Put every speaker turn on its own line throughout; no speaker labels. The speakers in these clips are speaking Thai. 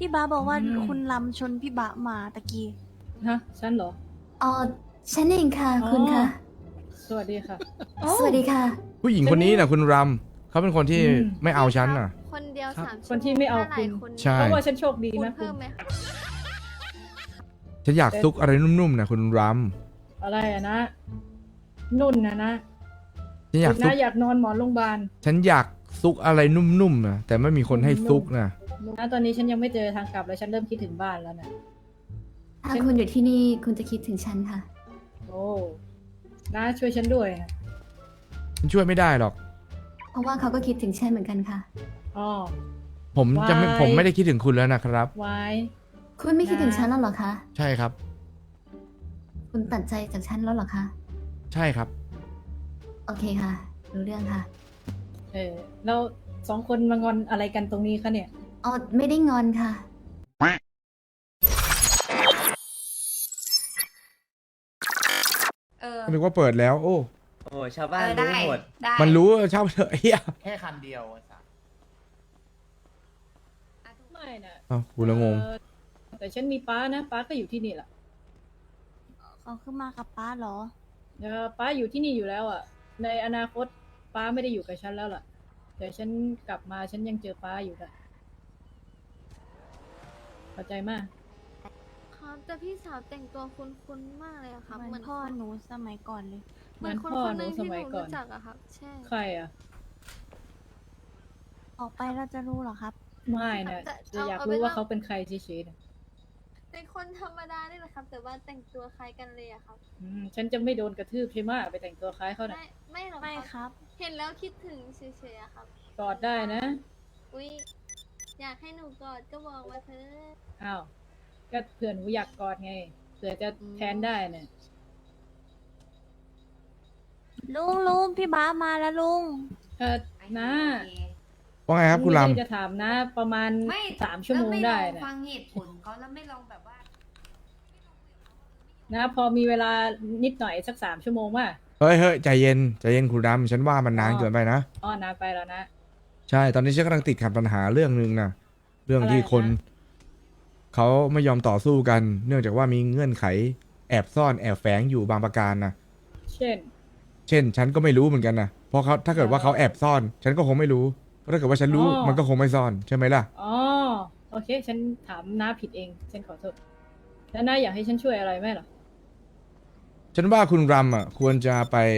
พี่บาบอกว่า
อืม
คุณลำชนพี่บามาตะกี้
ฮะฉันเหรอ
อ๋อฉันเองค่ะ
อ๋อ
คุณค่ะ
สวัสดีค่ะ
สวัสดีค่ะ
ผู้หญิงคนนี้นะคุณรำเขาเป็นคนที่
อืม
ไม่เอาฉันน่ะ
คนเดียว
ครับ
สาม
คนที่ไม่เอา
ถ้หลย
คุณ
ใช่
เพราะว่าฉันโชคดี
คุณ
นะคุ
เพิ่
ณ
มไหมคะ
ฉันอยากซุกอะไรนุ่มๆนะคุณร
อะไรอะนะ นุ่นนะ
ำฉันอยาก
คุณ
ซุก
นะอยากนอนหมอนโรงพยาบาล
ฉันอยากซุกอะไรนุ่มๆนะแต่ไม่มีคนให้ซุกนะ
นะตอนนี้ฉันยังไม่เจอทางกลับเลยฉันเริ่มคิดถึงบ้านแล้วนะ
ถ้าคุณอยู่ที่นี่คุณจะคิดถึงฉันค่ะ
โอ้นะช่วยฉันด้วยนะ
ฉันช่วยไม่ได้หรอก
เพราะว่าเขาก็คิดถึงฉันเหมือนกันค่ะ
อ๋อ
ผมจะไม่
Why?
ผมไม่ได้คิดถึงคุณแล้วนะครับ
ไว้
คุณไม่คิดถึงฉันแล้วเหรอคะ
ใช่ครับ
คุณตัดใจจากฉันแล้วเหรอคะ
ใช่ครับ
โอเคค่ะ รู้เรื่องค่ะ
แล้วสองคนมางอนอะไรกันตรงนี้คะเนี่ย
อ๋อไม่ได้งอนค่ะ
นึกว่าเปิดแล้ว โอ้
โอ้ชาวบ้านรู้หมด
ได้
มันรู้ชอบเถอะเฮีย
แค่คำเดียวอะสัส
ไม่นะ
อ้าวกูละงง
แต่ฉันมีป้านะป้าก็อยู่ที่นี่แหละ
เขาขึ้นมากับป้าเหรอ
ป้าอยู่ที่นี่อยู่แล้วอ่ะ ในอนาคตป้าไม่ได้อยู่กับฉันแล้วล่ะแต่ฉันกลับมาฉันยังเจอป้าอยู่ค่ะเข้าใจมาก
ครับแต่พี่สาวแต่งตัวคุ้นๆมากเลยอะครับ
เห
เห
มื
มื
อ
อน น
พ่อหนูสมัยก่อนเลย
เหมือนคน
พ่อ
คน
ห
ห
นู
นึ่ง
ส
ที่ห
มัย
นู
ก่อน
รู้จักอะครับ ใช่
ใครอ่ะ
ออกไปเราจะรู้เหรอครับ
ไม่นะจะอยากรู้ว่าเขาเป็นใครเฉยๆนะ
เป็นคนธรรมดานี่แหละครับ แต่ว่าแต่งตัวคล้ายกันเลยอะครับ
ฉันจะไม่โดนกระทืบใช่ไหมไปแต่งตัวคล้ายเขาน่ะ
ไม่หรอก
ไม่
ค
ครับ รับ
เห็นแล้วคิดถึงเฉยๆอะครับ
กอดได้นะ
อุ้ยอยากให้หนูกอดก็บอกมาเถอะ
อ้าวก็เผื่อหนูอยากกอดไงเผื่อจะแทนได้เนี่ย
ลุงพี่บามาแล้วลุง
นะ
ว่าไงครับคุณ
ไม่
รำ
ได้จะถามนะ ประมาณ
ไม่
3 ชั่วโมงได้
แล้วไม่ลอ
นะ
ฟังเหตุผลเขาแล้วไม่ลองแบบว่า
นะพอมีเวลานิดหน่อยสัก3 ชั่วโมงว่า
เฮ้ยเฮ้ยใจเย็นใจเย็นคุณรำฉันว่ามันนานเกินไปนะ
อ๋อนานไปแล้วนะ
ใช่ ตอนนี้ฉันกำลังติดขัดปัญหาเรื่องหนึ่งนะเรื่องที่
อะไรนะ
คนเขาไม่ยอมต่อสู้กัน เนื่องจากว่ามีเงื่อนไขแอบซ่อนแอบแฝงอยู่บางประการนะ
เช่น
เช่น ฉันก็ไม่รู้เหมือนกันนะเพราะเขาถ้าเกิดว่าเขาแอบซ่อน ฉันก็คงไม่รู้เพราะถ้าเกิดว่าฉันรู้
อ๋อ
มันก็คงไม่ซ่อนใช่ไหมล่ะ
อ๋อโอเค ฉันถามน้าผิดเอง ฉันขอโทษแล้วน้าอยากให้ฉันช่วยอะไรไหมเหรอ
ฉันว่าคุณรำอ่ะ ควรจะ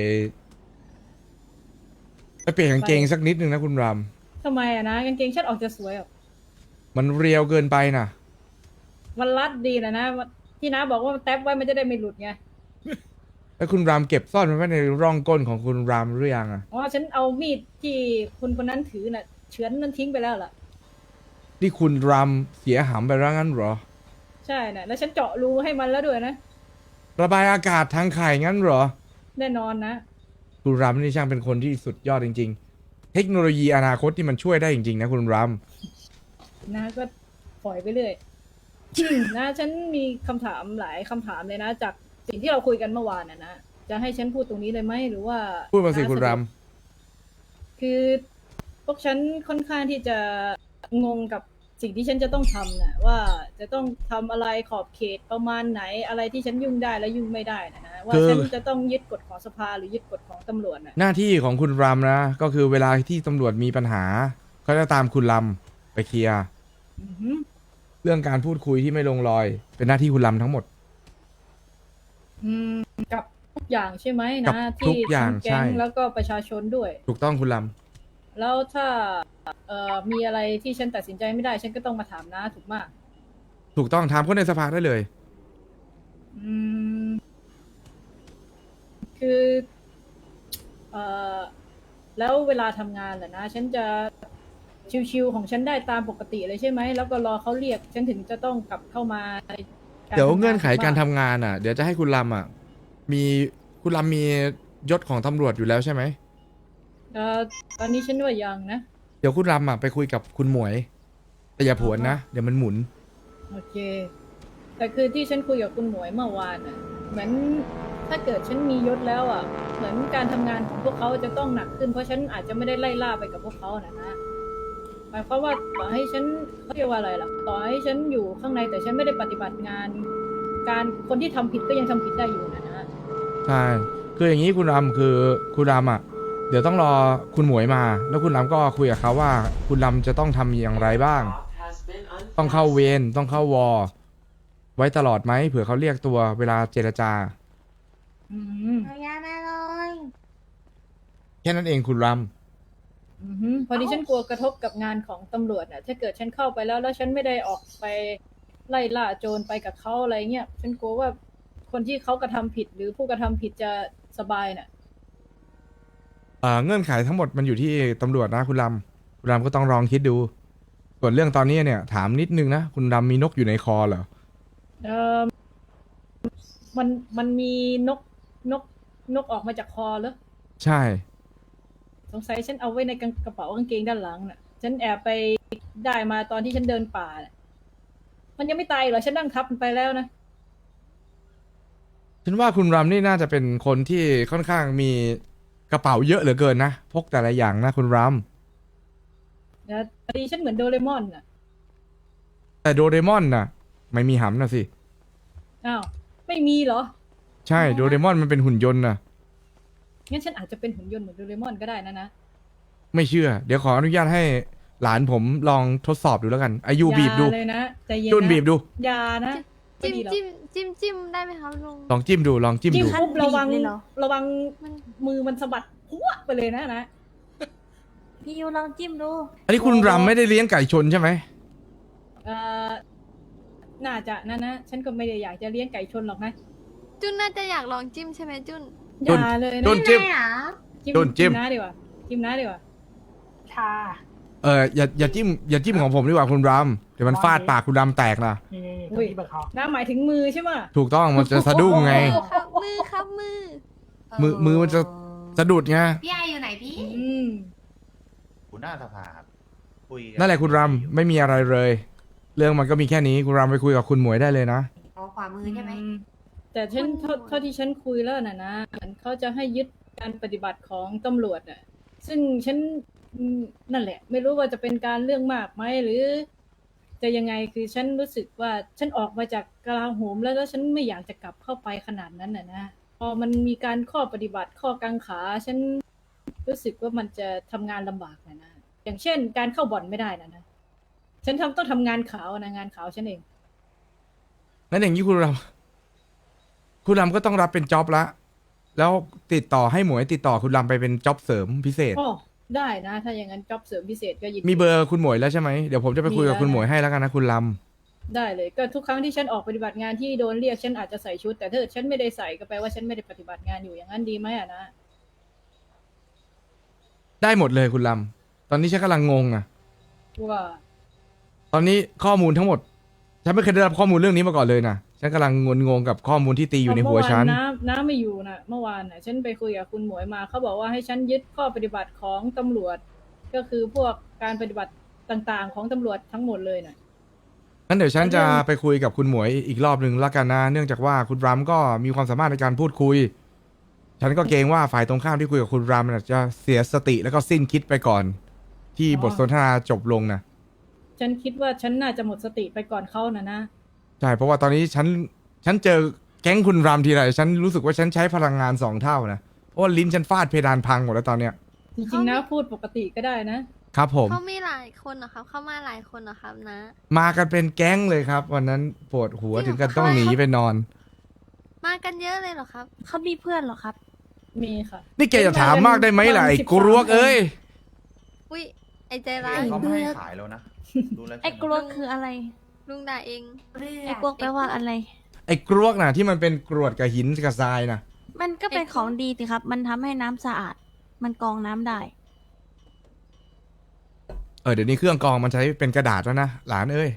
ไปเปลี่ยนกางเกงสักนิดนึงนะคุณร
ทำไมอะนะกางเกงฉันออกจะสวยอ่ะ
ำมันเรียวเกินไปนะ
มันรัดดีนะที่น้าบอกว่ามันแท็บไว้มันจะได้ไม่หลุดไง
แล้วคุณรำเก็บซ่อนมันไว้ในร่องก้นของคุณรำหรือยังอ่ะ
อ๋อฉันเอามีดที่คุณคนนั้นถือน่ะเฉือนนั้นทิ้งไปแล้วล่ะ
ที่คุณรำเสียหำไปแล้วงั้นเหรอ
ใช่น่ะแล้วฉันเจาะรูให้มันแล้วด้วยนะ
ระบายอากาศทางไข่งั้นเหรอ
แน่นอนนะ
คุณรำนี่ช่างเป็นคนที่สุดยอดจริง ๆ เทคโนโลยีอนาคตที่มันช่วยได้จริงๆนะคุณร
นะก็ปล่อยไปเรื่อย นะฉันมีคำถามหลายคำถามเลยนะ จากสิ่งที่เราคุยกันเมื่อวานน่ะนะจะให้ฉันพูดตรงนี้เลยไหมหรือว่า
ำพูดมาสิ
น้
คุณ
สะด
ร
วกคือพวกฉันค่อนข้างที่จะงงกับสิ่งที่ฉันจะต้องทำน่ะว่าจะต้องทำอะไรขอบเขตประมาณไหนอะไรที่ฉันยุ่งได้และยุ่งไม่ได้นะว่าฉันจะต้องยึดกฎของสภาหรือยึดกฎของตำรวจน่ะ
ำหน้าที่ของคุณรำนะ ก็คือเวลาที่ตำรวจมีปัญหาเขาจะตามคุณรำไปเคลียร์
อือหือ
เรื่องการพูดคุยที่ไม่ลงรอย เป็นหน้าที่คุณรำทั้งหมด
อืมกับทุกอย่างใช่ไหม
กับ
นะ
ทุ
ที่
กอย่าง
ทั้งแก๊ง
ใช่
แล้วก็ประชาชนด้วย
ถูกต้องคุณร
แล้วถ้ามีอะไรที่ฉันตัดสินใจไม่ได้ ฉันก็ต้องมาถามน้าถูกมาก
ำถูกต้องถามคนในสภาได้เลย
อืม คือแล้วเวลาทำงานแหละนะ ฉันจะชิวๆของฉันได้ตามปกติเลยใช่ไหม แล้วก็รอเขาเรียก ฉันถึงจะต้องกลับเข้ามาในการ
เดี๋ยว
ทำงา
เงื่อนไขการ
ถู
ทำ
กปะ
งานอ่ะ เดี๋ยวจะให้คุณรำอ่ะ มีคุณรำมียศของตำรวจอยู่แล้วใช่ไหม
ตอนนี้ฉันว่ายังนะ
เดี๋ยวคุณรำอ่ะไปคุยกับคุณหมวย แต่อย่าผวนนะ เดี๋ยวมันหมุน
โอเค แต่คือที่ฉันคุยกับคุณหมวยเมื่อวานน่ะ เหมือนถ้าเกิดฉันมียศแล้วอ่ะ เหมือนการทำงานของพวกเขาจะต้องหนักขึ้น เพราะฉันอาจจะไม่ได้ไล่ล่าไปกับพวกเขานะมายความว่าต่อให้ฉันเขาเรียกว่าอะไรล่ะ ต่อให้ฉันอยู่ข้างในแต่ฉันไม่ได้ปฏิบัติงาน คนที่ทำผิดก็ยังทำผิดได้อยู่นะ
ใช่ คืออย่างนี้คุณรำคือคุณรำอ่ะ เดี๋ยวต้องรอคุณหมวยมา แล้วคุณรำก็คุยกับเขาว่า คุณรำจะต้องทำอย่างไรบ้าง ต้องเข้าเวรต้องเข้าวอ ไว้ตลอดไหมเผื่อเขาเรียกตัวเวลาเจรจา
อืม
ขออนุญาตได้เลย
แค่นั้นเองคุณร
อือฮึพอดีฉันกลัวกระทบกับงานของตำรวจน่ะ ถ้าเกิดฉันเข้าไปแล้วฉันไม่ได้ออกไปไล่ล่าโจรไปกับเขาอะไรเงี้ย ฉันกลัวว่าคนที่เขากระทำผิดหรือผู้กระทำผิดจะสบายน่ะ
ำเงื่อนไขทั้งหมดมันอยู่ที่ตำรวจนะคุณรำคุณรำก็ต้องลองคิดดู ส่วนเรื่องตอนนี้เนี่ย ถามนิดนึงนะ คุณรำมีนกอยู่ในคอเหรอ
เออมันมีนกออกมาจากคอเหรอ
ใช่
สงสัยฉันเอาไว้ในกระเป๋ากางเกงด้านหลังน่ะ ฉันแอบไปได้มาตอนที่ฉันเดินป่าน่ะมันยังไม่ตายเหรอ ฉันนั่งทับมันไปแล้วนะ
ฉันว่าคุณรำนี่น่าจะเป็นคนที่ค่อนข้างมีกระเป๋าเยอะเหลือเกินนะ พกแต่ละอย่างนะคุณร
นะพอดีฉันเหมือนโดเรมอนน่ะ
ำแต่โดเรมอนน่ะ ไม่มีหำนะสิ
อ้าว ไม่มีเหรอ
ใช่โดเรมอนมันเป็นหุ่นยนต์นะ
งั้นฉันอาจจะเป็นหุ่นยนต์เหมือนโดเรมอนก็ได้นะ
ไม่เชื่อ เดี๋ยวขออนุญาตให้หลานผมลองทดสอบดูแล้วกันอายุบีบดู
อย่าเลยนะใจเย็นนะ
จุนบีบดู
อย่านะ
จิ้ม
ไดีหรอก
จิ้มได้ไหมครับลุง
ลองจิ้มดูลองจิ้ม
จิ้ม
ดู
ปุ๊บระวัง
เลยเหรอ
ระวัง
มัน
มือมันสะบัดพัวไปเลยนะ
พี่ยูลองจิ้มดู
อันนี้คุณรำไม่ได้เลี้ยงไก่ชนใช่ไหม
เอ่อน่าจะนะฉันก็ไม่ได้อยากจะเลี้ยงไก่ชนหรอกนะ
จุนน่าจะอยากลองจิ้มใช่ไหมจุน
อ
จุน
ย่าเลยนะ
จุนจิ้ม
ไม่อะ
จิ้ม
น้าดีกว่าจิ้มน้าดีกว่า
ค่ะ
อย่าจิ้มของผมดีกว่าคุณรำเดี๋ยวมันฟาดปากคุณรำแตกนะ
นี่
อุ้ย
ที่เบอร์เขา
น้าหมายถึงมือใช่ไหม
ถูกต้องมันจะสะดุ้งไง
มือครับมือ
มือมันจะสะดุดไง
พี่ไออยู่ไหนพี่
อืม
หัวหน้าสภาครับคุยกั
นั่นแหละคุณรำไม่มีอะไรเลย เรื่องมันก็มีแค่นี้คุณรำไปคุยกับคุณหมวยได้เลยนะ
อ๋อขวามือใช่ไหม
แต่ฉันเท่าที่ฉันคุยแล้วนะเหมือนเขาจะให้ยึดการปฏิบัติของตำรวจน่ะ ซึ่งฉันนั่นแหละ ไม่รู้ว่าจะเป็นการเรื่องมากไหมหรือ จะยังไงคือฉันรู้สึกว่าฉันออกมาจากกลาโหมแล้วฉันไม่อยากจะกลับเข้าไปขนาดนั้นนะพอมันมีการข้อปฏิบัติข้อกังขา ฉันรู้สึกว่ามันจะทำงานลำบากนะอย่างเช่น การเข้าบ่อนไม่ได้นะฉันต้องทำงานขาวนะงานขาวฉันเอง
งั้นอย่างนี้คุณรำก็ต้องรับเป็นจ็อบละ แล้วติดต่อให้หมวยติดต่อคุณรำไปเป็นจ็อบเสริมพิเศษ
โอ้ได้นะ ถ้าอย่างนั้นจ็อบเสริมพิเศษก็ยินดี
มีเบอร์คุณหมวยแล้วใช่ไหมเดี๋ยวผมจะไปคุยกับคุณหมวยให้แล้วกันนะคุณร
ได้เลยก็ทุกครั้งที่ฉันออกปฏิบัติงานที่โดนเรียกฉันอาจจะใส่ชุด แต่ถ้าเกิดฉันไม่ได้ใส่ก็แปลว่าฉันไม่ได้ปฏิบัติงานอยู่อย่างนั้นดีไหมอะนะ
ำได้หมดเลยคุณรำตอนนี้ฉันกำลังงงอ่ะ
ว่า
ตอนนี้ข้อมูลทั้งหมด ฉันไม่เคยได้รับข้อมูลเรื่องนี้มาก่อนเลยนะฉันกำลังงงกับข้อมูลที่ตีอยู่ในหัวฉัน
เมื่อวานน้าไม่อยู่นะเมื่อวานน่ะฉันไปคุยกับคุณหมวยมาเขาบอกว่าให้ฉันยึดข้อปฏิบัติของตำรวจ ก็คือพวกการปฏิบัติต่างๆ ของตำรวจทั้งหมดเลยน่ะ
งั้นเดี๋ยวฉันจะไปคุยกับคุณหมวยอีกรอบหนึ่งละกันนะ เนื่องจากว่าคุณรำก็มีความสามารถในการพูดคุย ฉันก็เกรงว่าฝ่ายตรงข้ามที่คุยกับคุณรำน่ะจะเสียสติแล้วก็สิ้นคิดไปก่อน ที่บทสนทนาจบลงนะ
ฉันคิดว่าฉันน่าจะหมดสติไปก่อนเขานะ
ใช่เพราะว่าตอนนี้ฉันเจอแก๊งคุณรำทีไรฉันรู้สึกว่าฉันใช้พลังงาน2 เท่านะเพราะว่าลิ้นฉันฟาดเพดานพังหมดแล้วตอนเนี้ย
จริงๆนะพูดปกติก็ได้นะ
ครับผม
เขามีหลายคนเหรอครับ เขามาหลายคนเหรอครับนะ
มากันเป็นแก๊งเลยครับ วันนั้นปวดหัวถึงกันต้องหนีไปนอน
มากันเยอะเลยเหรอครับ
เขามีเพื่อนเหรอครับ
มีค่ะ
นี่แกจะถามมากได้ไหมล่ะไอ้กรวกเอ้ย
อุ้ยไอใจร้าย
เขาไม่ให้ขายแล้วนะดูแล้ว
ไอ้กลัวคืออะไร
ลุงด่าเอง
ไอ้กลัวแปลว่าอะไร
ไอ้กรวกน่ะที่มันเป็นกรวดกับหินกับทรายน่ะ
มันก็เป็นของดีสิครับ มันทำให้น้ำสะอาด มันกรองน้ำได้
เดี๋ยวนี้เครื่องกรองมันใช้เป็นกระดาษแล้วนะหลานเอ้ย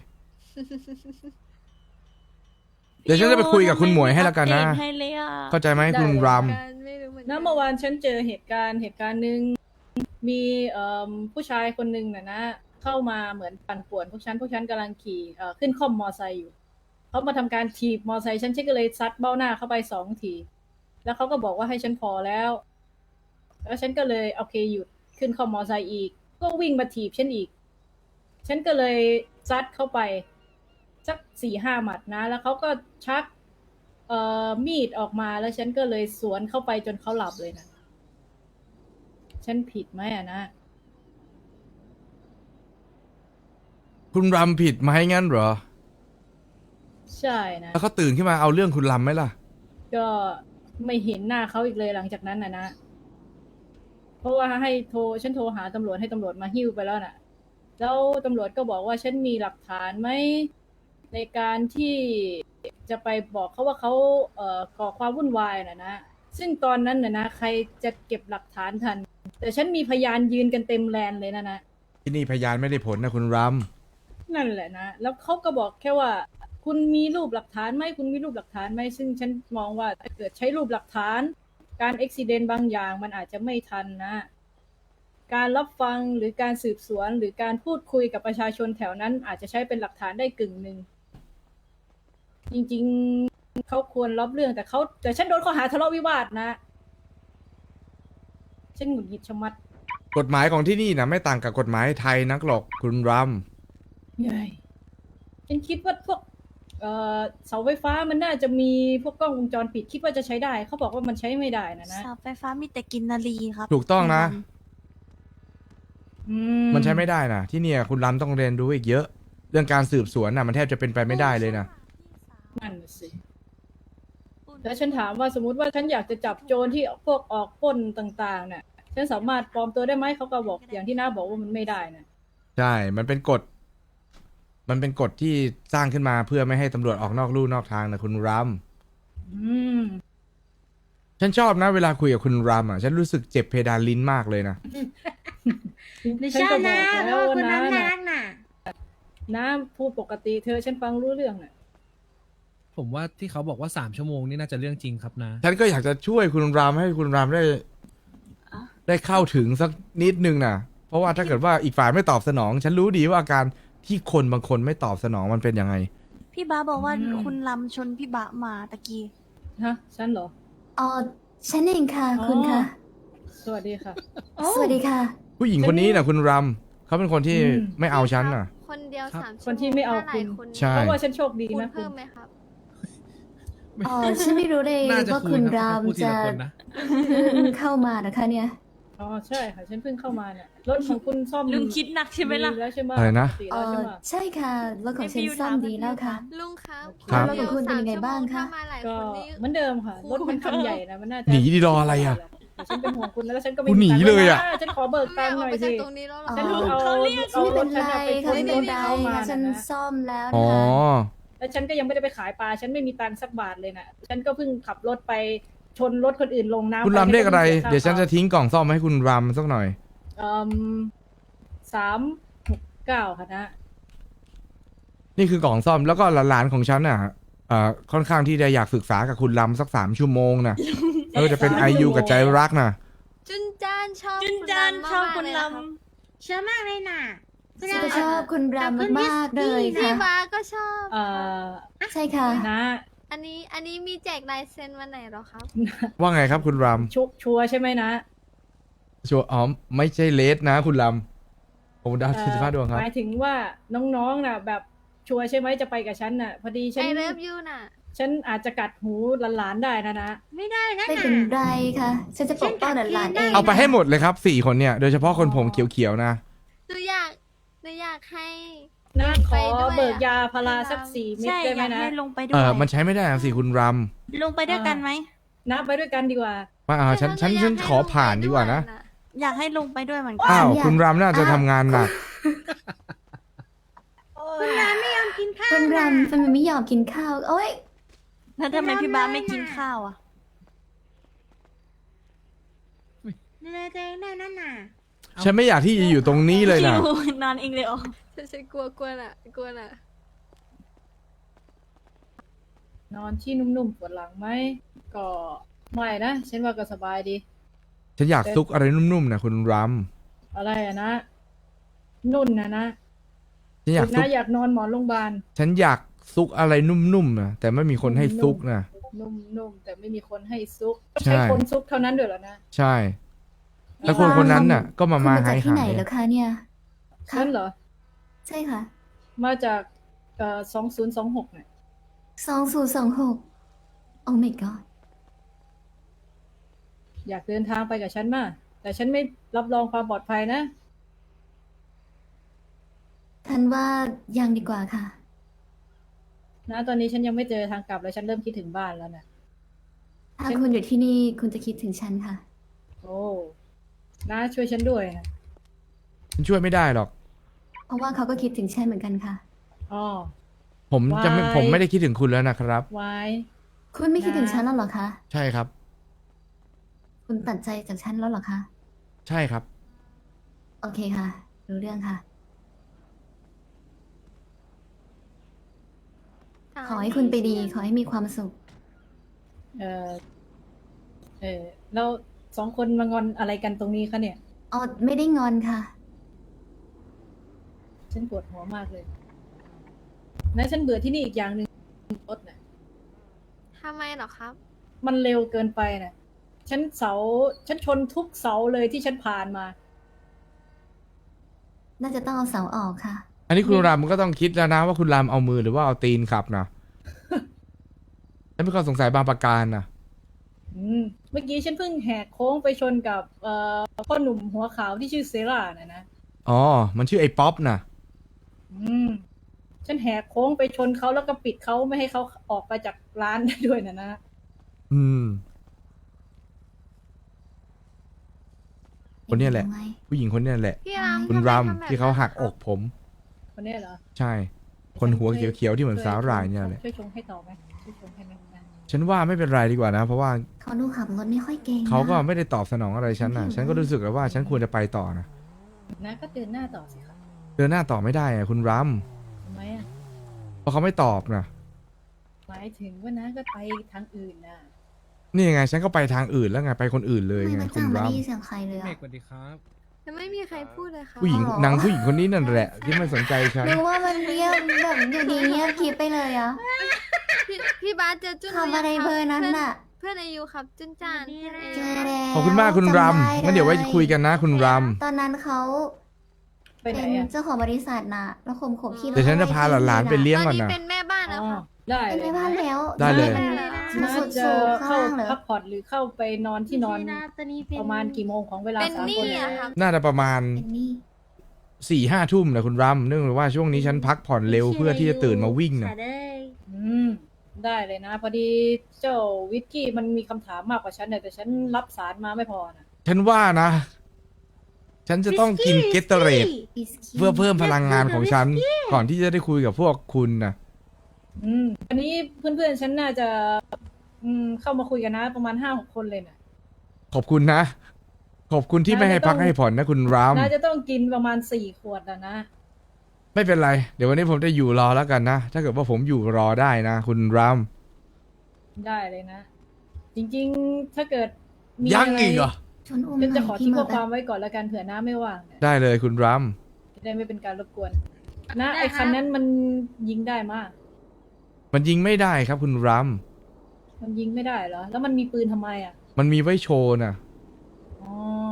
เดี๋ยวฉันจะไปคุยกับคุณหมวยให้แล้วกันนะ
อัปเดตให้เลยอ่ะ
เข้าใจไหมคุณร
การไม่รู้เหมือนกั
นะเมื่อวานฉันเจอเหตุการณ์หนึ่งมีผู้ชายคนหนึ่งนะเข้ามาเหมือนปั่นป่วนพวกฉันกำลังขี่ขึ้นคล่อมมอไซค์อยู่เขามาทำการถีบมอไซค์ฉันก็เลยซัดเบ้าหน้าเข้าไป2 ทีแล้วเขาก็บอกว่าให้ฉันพอแล้วฉันก็เลยโอเคหยุดขึ้นคล่อมมอไซค์อีกก็วิ่งมาถีบฉันอีกฉันก็เลยซัดเข้าไปสัก4-5 หมัดนะ แล้วเขาก็ชักมีดออกมาแล้วฉันก็เลยสวนเข้าไปจนเขาหลับเลยนะฉันผิดไหมอะนะ
คุณรำผิดไหมงั้นเหรอ
ใช่นะ
แล้วเขาตื่นขึ้นมาเอาเรื่องคุณรำไหมล่ะ
ก็ไม่เห็นหน้าเขาอีกเลยหลังจากนั้นนะเพราะว่าฉันโทรหาตำรวจให้ตำรวจมาหิ้วไปแล้วน่ะ แล้วตำรวจก็บอกว่าฉันมีหลักฐานไหมในการที่จะไปบอกเขาว่าเขาก่อความวุ่นวายนะซึ่งตอนนั้นนะใครจะเก็บหลักฐานทัน แต่ฉันมีพยานยืนกันเต็มแลนเลยนะ
ที่นี่พยานไม่ได้ผลนะคุณร
นั่นแหละนะ แล้วเขาก็บอกแค่ว่า คุณมีรูปหลักฐานไหมคุณมีรูปหลักฐานไหมซึ่งฉันมองว่าถ้าเกิดใช้รูปหลักฐาน การอุบิเหตุบางอย่างมันอาจจะไม่ทันนะ การรับฟังหรือการสืบสวนหรือการพูดคุยกับประชาชนแถวนั้น อาจจะใช้เป็นหลักฐานได้กึ่งหนึ่งจริงๆเขาควรรับเรื่องแต่ฉันโดนข้อหาทะเลาะวิวาทนะฉันหงุดหงิดชะมัด
ำกฎหมายของที่นี่นะไม่ต่างกับกฎหมายไทยนักหรอกคุณร
ใหญ่ฉันคิดว่าพวกเสาไฟฟ้ามันน่าจะมีพวกกล้องวงจรปิดคิดว่าจะใช้ได้เขาบอกว่ามันใช้ไม่ได้นะ
เสาไฟฟ้ามีแต่กินนารีครับ
ำถูกต้องนะ
อื
มันใช้ไม่ได้นะที่เนี่ยคุณรำต้องเรียนรู้อีกเยอะ เรื่องการสืบสวนนะมันแทบจะเป็นไปไม่ได้เลยนะ
นั่นน่ะสิแล้วฉันถามว่าสมมติว่าฉันอยากจะจับโจรที่พวกออกปล้นต่างๆเนี่ยฉันสามารถปลอมตัวได้ไหมเขาก็บอกอย่างที่น้าบอกว่ามันไม่ได้นะ
ใช่ มันเป็นกฎ มันเป็นกฎที่สร้างขึ้นมาเพื่อไม่ให้ตำรวจออกนอกลู่นอกทางนะคุณร
อืม
ำฉันชอบนะเวลาคุยกับคุณรำอ่ะ ฉันรู้สึกเจ็บเพดานลิ้นมากเลยนะ
ฉันก็บอกแล้วว่าน้าน่ะน้าพูดปกติเธอฉันฟังรู้เรื่องน่ะ
ผมว่าที่เขาบอกว่า3 ชั่วโมงนี่น่าจะเรื่องจริงครับนะ
ฉันก็อยากจะช่วยคุณรำให้คุณรำได้เข้าถึงสักนิดนึงนะเพราะว่าถ้าเกิดว่าอีกฝ่ายไม่ตอบสนอง ฉันรู้ดีว่าอาการที่คนบางคนไม่ตอบสนองมันเป็นยังไง
พี่บาบอกว่าคุณลำชนพี่บะมาตะกี้
ฮะฉันเหรอ
อ๋อ ฉันเองค่ะ คุณค่ะ
สวัสดีค่ะ
สวัสดีค่ะ
ผู้หญิงคนนี้นะคุณรำเขาเป็นคนที่
อืม
ไม่เอาฉันน่ะ
คนเดียว
ครับ
3 ชั่วโมง
คนที่ไม่เอา
ถ้หลย
คุณ
น
ใช่
เพราะว่าฉันโชคดี
คูณ
นะคุ
เพิ่
ณ
มไหมครับ
อ๋อ ฉันไม่รู้เลย
น่าจะ
ว่า
คุ
คุ
ณ
ณ
ครับ
ราม
พูดที
จะ
ละคนนะ
เพิ่งเข้ามานะคะเนี่ย
อ๋อใช่ค่ะฉันเพิ่งเข้ามาเนี่ยรถของคุณซ่อม
ลุงคิดหนักใช่ไหมล่ะ
ดีแล้วใช่ไหม
อะไรนะ
ปกติ
เอ
แล้วใช่
อ
ไหม
ใช่ค่ะ รถของฉันซ่อมดีแล้วค่ะ
ลุงครับ
ครับ
นดียว
แล้วของคุณเป็นยังไง
3
บ้างคะ
ชั่วโมถ้ามาหลาย
ก็
คนนี่
เหมือนเดิมค่ะ รถมันคันใหญ่นะมันน่าจะ
หนีดิรออะไรอะ
แต่ฉันเป็นห่วงคุณนะแล้วฉันก็ไม่
คุณหนี
มีตังค์
เลยอะ
ฉันขอเบิก
ไม่
ตังค์
อ
ห
อก
น่อย
ไปจาก
สิ
ตรงนี้แล้วเหรอ
ฉัน
อ๋อ
เอา
ไม่เป็นไร
เอา
ค่ะ ไม่เป็น
รถฉัน
ไร
เอามา
ค่ะฉัน
นะ
ซ่อมแล้ว
อ๋
นะ
อ
คะ
แล้วฉันก็ยังไม่ได้ไปขายปลา ฉันไม่มีตังค์สักบาทเลยนะฉันก็เพิ่งขับรถไปชนรถคนอื่นลงน้ำ
คุณ
ป
รำเรียกอะไร
ฉัก็
เดี๋ยวฉันจะทิ้งกล่องซ่อมให้คุณรำสักหน่อย
369ค่ะนะ
นี่คือกล่องซ่อมแล้วก็หลานๆของฉันน่ะค่อนข้างที่จะอยากศึกษากับคุณรำสัก3 ชั่วโมงนะไม่ว่าจะเป็นไอยูกับใจรักนะ
จุนจานชอบ
จุนจานชอบคุณล
เชื่อมากเลยน่ะ
ฉันก็ชอบคุณรามมากๆเลย
พี่
ค่ะ
บาก็ชอบ
ใช่ค่ะ
นะ
อันนี้มีแจกลายเซ็นวันไหนเหรอครับ
ว่าไงครับคุณร
ชัวร์ใช่ไหมนะ
ำชัวร์อ๋อไม่ใช่เลสนะ คุณรำผมดาว45 ดวงครับ
หมายถึงว่าน้องๆน่ะ แบบชัวร์ใช่ไหมจะไปกับฉันน่ะ พอดีฉัน
I love you น่ะ
ฉันอาจจะกัดหูหลานๆได้นะ
ไม่ได้นะ
ไม่เป็นไรค่ะ ฉันจะปกป้องหลานๆเอง
เอาไปให้หมดเลยครับ4 คนเนี่ยโดยเฉพาะคนผมเขียวๆนะ
หนูอยากให้
นะข
ไป
อ
ด้วย
เบิกยาพาราสัก
ไป
4
ำ
เม็ด
ใช่
ได้
อ
ไหม
ยาก
นะ
ให้ลงไปด้วย
มันใช้ไม่ได้นะสิคุณร
ลงไปด้วยกันไหม
นะไปด้วยกันดีกว่า
ำว่าฉันขอผ่านดีกว่านะ
อยากให้ลงไปด้วยเหมือนกั
อ้าวคุณรำน่าจะทำงานหนัก
คุณรามไม่ยอมกินข้าว
คุณรามทำไมไม่ยอมกินข้าว โอ๊ย
แล้วทำไมพี่บาไม่กินข้าวอ่ะ
ดูแลตัวเองได้นั่นน่ะ
ฉันไม่อยากที่จะอยู่ตรงนี้เลยนะ
คิวนอนเองเลยอ๋อ
ฉันกลัวน่ะ
นอนที่นุ่มๆปวดหลังไหมก็ไม่นะฉันว่าก็สบายดี
ฉันอยากซุกอะไรนุ่มๆนะคุณร
อะไรอะนะ นุ่นนะ
ำฉันอยากซุ
นะ
ก
อยากนอนหมอนโรงพยาบาล
ฉันอยากซุกอะไรนุ่มๆนะแต่ไม่มีคนให้ซุกนะ
นุ่มๆแต่ไม่มีคนให้ซุก
ใช่
ใช้คนซุกเท่านั้นด้วยเหรอนะ
ใช่ แล้วคนคนนั้นน่ะ ก็มา
คุณมา
หา
จาก
ย
ที่ไหน
หาย
เหรอคะเนี่ย
ฉันเหรอ
ใช่ค่ะ
มาจาก2026เนี่ย
2026 โอ้ my god
อยากเดินทางไปกับฉันมากแต่ฉันไม่รับรองความปลอดภัยนะ
ทันว่ายังดีกว่าค่ะ
นะตอนนี้ฉันยังไม่เจอทางกลับแล้วฉันเริ่มคิดถึงบ้านแล้วนะ
ถ้าคุณอยู่ที่นี่คุณจะคิดถึงฉันค่ะ
โอ้นะช่วยฉันด้วยนะ
ฉันช่วยไม่ได้หรอก
เพราะว่าเขาก็คิดถึงฉันเหมือนกันค่ะ
อ๋อ
ผมจะไม่
Why?
ผมไม่ได้คิดถึงคุณแล้วนะครับ
ไว้
คุณไม่คิดถึงฉันแล้วเหรอคะ
ใช่ครับ
คุณตัดใจจากฉันแล้วเหรอคะ
ใช่ครับ
โอเคค่ะ รู้เรื่องค่ะ ขอให้คุณไปดี ขอให้มีความสุข
เออแล้วสองคนมางอนอะไรกันตรงนี้คะเนี่ย
อ๋อ ไม่ได้งอนค่ะ
ฉันปวดหัวมากเลยนะฉันเบื่อที่นี่อีกอย่างหนึ่งรถน่ะ
ทำไมเหรอครับ
มันเร็วเกินไปน่ะ ฉันชนทุกเสาเลยที่ฉันผ่านมา
น่าจะต้องเอาเสาออกค่ะ
อันนี้คุณรามก็ต้องคิดแล้วนะว่าคุณรามเอามือหรือว่าเอาตีนขับนะ ฉันมีความสงสัยบางประการนะ
เมื่อกี้ฉันเพิ่งแหกโค้งไปชนกับพ่อหนุ่มหัวขาวที่ชื่อเซรานะ
อ๋อ มันชื่อไอ้ป๊อปนะ
ฉันแหกโค้งไปชนเขาแล้วก็ปิดเขาไม่ให้เขาออกไปจากร้านได้ด้วยนะ
อืม คนเนี้ยแหละ
เห็นไหม
ผู้หญิงคนเนี้ยแหละ
พี่ราม
คุณ
ทำไม
ราม
ทำแบบ
ที่เขาหัก
นั้น
อกผม
คนนี้เหรอ
ใช่ คนหัวเขียวๆที่เหมือนสาหร่ายเนี่ยแหละ
ช่วยชงให้ต่อไหมช่วยชงให้ไหมนะ
ฉันว่าไม่เป็นไรดีกว่านะ เพราะว่า
เขาดูขับรถไม่ค่อยเก่งนะ
เขาก็ไม่ได้ตอบสนองอะไรฉันนะฉันก็รู้สึกแล้วว่าฉันควรจะไปต่อนะ
นะก็เดินหน้าต่อสิคะ
เดินหน้าต่อไม่ได้อะคุณราม
ทำไมอ่ะ
เพราะเขาไม่ตอบนะ
หมายถึงว่านะก็ไปทางอื่นนะ
นี่ไงฉันก็ไปทางอื่นแล้วไงไปคนอื่นเลย
ไม่
ไง
มา
คุ
จ้า
ณ
ไม่
ราม
ได้ยินเสียงใครเลย
เม
อะ
กสวัสดีครับ
ยังไม่มีใครพูดเลยครับ
ผู้หญิง
อ๋อ
นางผู้หญิงคนนี้นั่นแหละ ที่ไม่สนใจฉัน
หรือว่ามันเงียบแบบอยู่ดีเงียบกริบไปเลยอะ
พี่บาสเจอจุน
ทำอะไรเบอร์นั้นน่ะ
เพื่อนอายุครับ จุนจานเพื่อนอา
เจ
ยุ
อแล้ว
ขอบคุณมากคุณราม
จำได้
งั้นเดี๋ยวไว้คุยกันนะคุณราม
ตอนนั้นเขา
ไปไหน
เป็น
อ่ะ
เจ้าของบริษัทน่ะ แล้วข่มขู่พี่
เดี๋ยวฉันจะพาหลานๆไปเลี้ยง
ตอน
ก่อน
นี้
นะ
เป็นแม่บ้าน
อ๋
แล้ว
อ
ครับ
ได้
เป็น
เล
ไป
ย
บ้านแล้ว
ได้เลย
มัน
น่า
สุด
จะ
สูง
เข้า
ข้างเหรอ
พักผ่อนหรือเข้าไปนอนที่นอน
ตอนนี้เป็น
ประมาณกี่โมงของเวลา
เป็น
สาม
นี่
คนเนี่ย
อะครับ
น่าจะประมาณ
เป็นนี่
4-5 ทุ่มนะคุณรามเนื่องจากว่าช่วงนี้ฉันพักผ่อนเร็วเพื่อที่จะตื่นมาวิ่งนะ
ค่ะเด้ย
ได้เลยนะ พอดีเจ้าวิกกี้มันมีคำถามมากกว่าฉันเนี่ยแต่ฉันรับสารมาไม่พอนะ
ฉันว่านะ ฉันจะต้องกินเกตเตอร์เรด
บิสกิต
เพื่อเพิ่มพลังงานของฉัน ก่อนที่จะได้คุยกับพวกคุณนะ
อันนี้เพื่อนๆฉันน่าจะเข้ามาคุยกันนะ ประมาณ5-6 คนเลยนะ
ขอบคุณนะ ขอบคุณที่ไม่ให้พักให้ผ่อนนะคุณราม
น่าจะต้องกินประมาณ4 ขวดแล้วนะ
ไม่เป็นไร เดี๋ยววันนี้ผมจะอยู่รอแล้วกันนะ ถ้าเกิดว่าผมอยู่รอได้นะ คุณราม
ได้เลยนะ จริงๆถ้าเกิดมี
ยัง
อะไร
อีกเหรอ
ชนอุ้มห
ฉัน
น่
จะ
อย
ขอ
พี่
ทิ้ง
เม
ข้
อ
อ
ร์
ความไว้ก่อนแล้วกันเผื่อน้าไม่ว่างเนี่ย
ได้เลยคุณราม
จะได้ไม่เป็นการรบกวน นะไอ้คันนั้นมันยิงได้มาก
มันยิงไม่ได้ครับคุณราม
มันยิงไม่ได้เหรอ แล้วมันมีปืนทำไมอ่ะ
มันมีไว้โชว์นะ
อ๋อ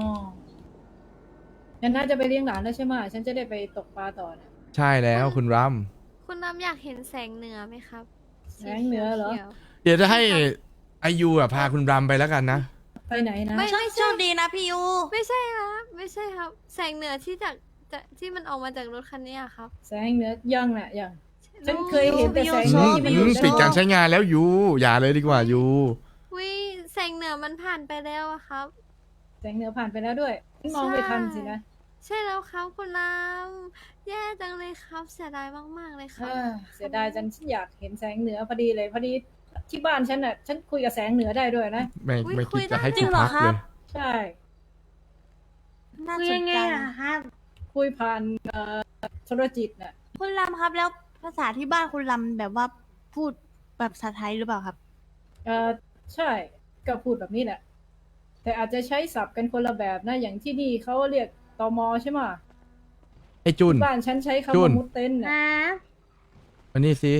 งั้นน่าจะไปเลี้ยงหลานแล้วใช่ไหมฉันจะได้ไปตกปลาต่อนะ
ใช่แล้วคุณราม
คุณรามอยากเห็นแสงเหนือไหมครับ
แสงเหนือเหรอ
ขียว
เดี๋ยวจะให้อายุอ่ะพาคุณรามไปแล้วกันนะ
ไปไหนนะ
ไม่
โชคดีนะพี่ยู
ไม่ใช่ครับไม่ใช่ครับ แสงเหนือที่ที่มันออกมาจากรถคันนี้อะครับ
แสงเหนือยังน่ะยัง ฉันเคยเห็นแต่แสง
อื
เหนือ
ม
ที่มัน
อื
อยู่
ม
ใน
ปิดการใช้งานแล้วยูอย่าเลยดีกว่ายู
วิแสงเหนือมันผ่านไปแล้วอะครับ
แสงเหนือผ่านไปแล้วด้วยมองไม่ทันสินะ
ใช่แล้วครับคุณรามแย่จังเลยครับ เสียดายมากๆเลยครับ
เสียดายฉันอยากเห็นแสงเหนือพอดีเลยพอดีที่บ้านฉันน่ะ ฉันคุยกับแสงเหนือได้ด้วยนะ
ไม่คิดจะให้
จริ
กู
งเหรอ
พัก
ครั
เล
บ
ย
ใช่
น่า
คุย
สน
ยังไง
ใจ
ล่ะครับ
คุยผ่านโทรจิตน่ะ
คุณลำครับแล้วภาษาที่บ้านคุณลำแบบว่าพูดแบบภาษาไทยหรือเปล่าครับ
ใช่ก็พูดแบบนี้แหละ แต่อาจจะใช้ศัพท์กันคนละแบบนะ อย่างที่นี่เขาเรียกตมใช่ไหม
ไอ้จุน
ที่บ้านฉันใช้
จุ
คำว่าน มุดเต้น
ค
น่ะ
รับ
อันนี้สิ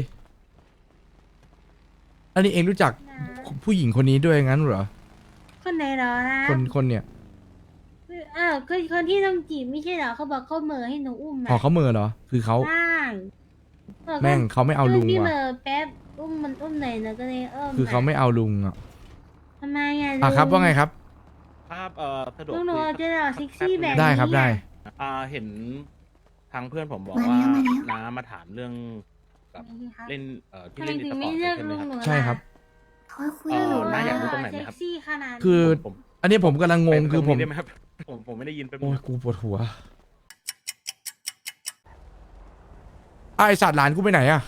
อันนี้เองรู้จักผู้หญิงคนนี้ด้วยงั้นเหรอ
คนไหนเหรอครับ
คนเนี่ย
เอ่คือคนที่ต้องจีบไม่ใช่เหรอเขาบอกเขาเหม่อให้หนูอุ้ม
อ๋อเขาเหมือเหรอ คือเขา
ใช่บอกว่า
แม่งเขาไม่เอาลุง
พี่เห
ว่ะ
ม่อแป๊บอุ้มมันอุ้มหน่อยนะก็เลย
คือเขาไม่เอาลุงอ่ะ
ทำไมอ่ะ
อ่ะครับว่าไงครับ
ครับสะดวก
ลุงหนู
คุย
จะหล่อเซ็กซี่แบบนี้
ได้ครับได้
เห็นทางเพื่อนผมบอก
มา
ว่า
แล้วมาแล้ว
น้ามาถามเรื่องกับเล่นที่
ทำไม
เล่น
ถึ
อี
ง
สป
ไม่
อร์ต
เลือก
ใช่ไหม
ลุง
ครับ
หนูล่ะ
ใช่ครับ
เขาคุยกับหนู
น้า
นะ
อยากรู้ตรงไหนไหมครับ
เซ็กซี่ขนาดนี้
คือ
ผม
อันนี้ผมกำลังงงคือผม
ไปตรนี้ได้ไหมครับผมไม่ได้ยินเป็น
โอ้ยกูปวดหัวไอสัตว์หลานกูไปไหนอะ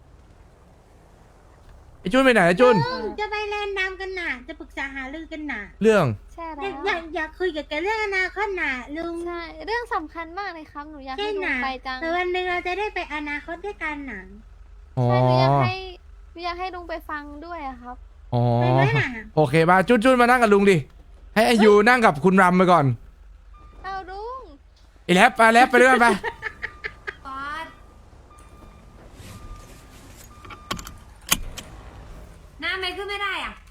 ไอจุนไปไหนอะจุน
จะไปเล่นน้ำกันน่ะ จะปรึกษาหารือกันน่ะ
เรื่อง
ใช่
อ
แล้
ยาว กอยากคุยกับแกเรื่องอนาคตน่ะลุง
ใช่เรื่องสำคัญมากเลยครับหนูอยาก
ใช่
ให้ลุง
น่ะ
ไปจัง
แต่วันหนึ่งเราจะได้ไปอนาคตด้วยกันน่ะ
อ๋อ
ใช่หนูอยากให้ลุงไปฟังด้วยอะครับ
อ๋อ
ไปไหมน่ะ
โอเคมาจุนจุนมานั่งกับลุงดิ ให้อายุนั่งกับคุณรำไปก่อน
เอาลุง
ไอแลบไปแลบไปด้วยกันไป
หน้าไม่ขึ้นไม่ได้อ่ะ